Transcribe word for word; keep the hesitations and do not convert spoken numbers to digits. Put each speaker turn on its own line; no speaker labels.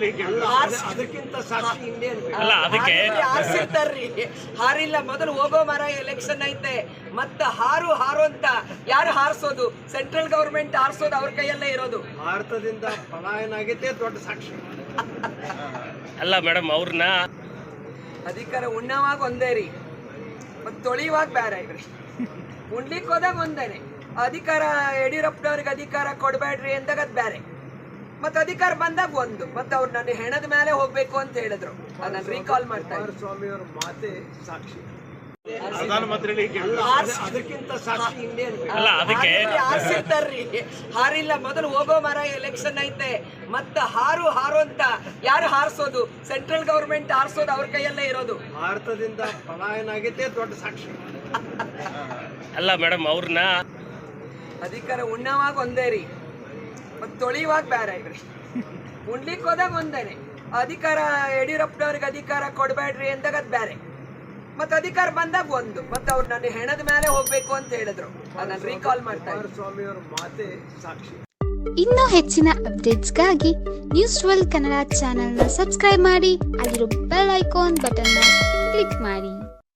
ಅದಕ್ಕಿಂತ ಸಾಕ್ಷಿ ಇನ್ನೇನು
ಅಲ್ಲ ಅದಕ್ಕೆ
ಹಾರಿಸಿರ್ತಾರ್ರಿ ಹಾರಿಲ್ಲ ಮೊದಲು ಹೋಗೋ ಮರ ಎಲೆಕ್ಷನ್ ಐತೆ ಮತ್ತ ಹಾರು ಹಾರು ಅಂತ ಯಾರು ಹಾರಿಸೋದು ಸೆಂಟ್ರಲ್ ಗವರ್ಮೆಂಟ್ ಹಾರಿಸೋದು ಅವ್ರ ಕೈಯಲ್ಲೇ ಇರೋದು
ಭಾರತದಿಂದ ಪಲಾಯನ ಆಗೈತೆ ದೊಡ್ಡ ಸಾಕ್ಷಿ
ಅಲ್ಲ ಮೇಡಮ್ ಅವ್ರನ್ನ
ಅಧಿಕಾರ ಉಣ್ಣವಾಗ ಒಂದೇ ರೀ ಮತ್ ತೊಳಿಯುವಾಗ ಬೇರೆ ಇದ್ರಿ ಉಣ್ಲಿಕ್ಕೆ ಹೋದಾಗ ಒಂದೇನೆ ಅಧಿಕಾರ ಯಡಿಯೂರಪ್ಪನವ್ರಿಗೆ ಅಧಿಕಾರ ಕೊಡಬೇಡ್ರಿ ಅಂದಾಗ ಅದ್ ಬೇರೆ ಮತ್ ಅಧಿಕಾರ ಬಂದಾಗ ಒಂದು ಮತ್ತೆ ಅವ್ರು ನನ್ನ ಹೆಣದ ಮೇಲೆ ಹೋಗ್ಬೇಕು ಅಂತ ಹೇಳಿದ್ರು ಅದನ್ನ ರೀಕಾಲ್ ಮಾಡ್ತಾ ಇದ್ರು
ಸ್ವಾಮಿಯವರ ಮಾತೆ ಸಾಕ್ಷಿ
ಪ್ರಧಾನಮಂತ್ರಿಗಳಿಗೆ
ಅದಕ್ಕಿಂತ ಸಾಕ್ಷಿ ಇನ್ನೇನು
ಅಲ್ಲ ಅದಕ್ಕೆ
ಹಾರಿಸಿರ್ತಾರ್ರಿ ಹಾರಿಲ್ಲ ಮೊದಲು ಹೋಗೋ ಮರ ಎಲೆಕ್ಷನ್ ಐತೆ ಮತ್ತ ಹಾರು ಹಾರು ಅಂತ ಯಾರು ಹಾರಿಸೋದು ಸೆಂಟ್ರಲ್ ಗವರ್ಮೆಂಟ್ ಹಾರಿಸೋದು ಅವ್ರ ಕೈಯಲ್ಲೇ ಇರೋದು
ಭಾರತದಿಂದ ಪಲಾಯನ ಆಗೈತೆ ದೊಡ್ಡ ಸಾಕ್ಷಿ
ಅಲ್ಲ ಮೇಡಮ್ ಅವ್ರನ್ನ
ಅಧಿಕಾರ ಉಣ್ಣವಾಗ ಒಂದೇ ರೀ ಮತ್ ತೊಳಿಯುವಾಗ ಬೇರೆ ಇದ್ರಿ ಉಣ್ಲಿಕ್ಕೆ ಹೋದಾಗ ಒಂದೇನೆ ಅಧಿಕಾರ ಯಡಿಯೂರಪ್ಪನವ್ರಿಗೆ ಅಧಿಕಾರ ಕೊಡಬೇಡ್ರಿ ಅಂದಾಗ ಅದ್ ಬೇರೆ ಮತ್ ಅಧಿಕಾರ ಬಂದಾಗ ಒಂದು ಮತ್ತೆ ಅವ್ರು ನನ್ನ ಹೆಣದ ಮೇಲೆ ಹೋಗ್ಬೇಕು ಅಂತ ಹೇಳಿದ್ರು ಅದನ್ನ ರೀಕಾಲ್ ಮಾಡ್ತಾ ಇದ್ರು
ಸ್ವಾಮಿಯವರ ಮಾತೆ ಸಾಕ್ಷಿ
ಇನ್ನೂ ಹೆಚ್ಚಿನ ಅಪ್ಡೇಟ್ಸ್ಗಾಗಿ ನ್ಯೂಸ್ ಟ್ವೆಲ್ವ್ ಕನ್ನಡ ಚಾನೆಲ್ನ ಸಬ್ಸ್ಕ್ರೈಬ್ ಮಾಡಿ ಅಲ್ಲಿರೋ ಬೆಲ್ ಐಕಾನ್ ಬಟನ್ನ ಕ್ಲಿಕ್ ಮಾಡಿ.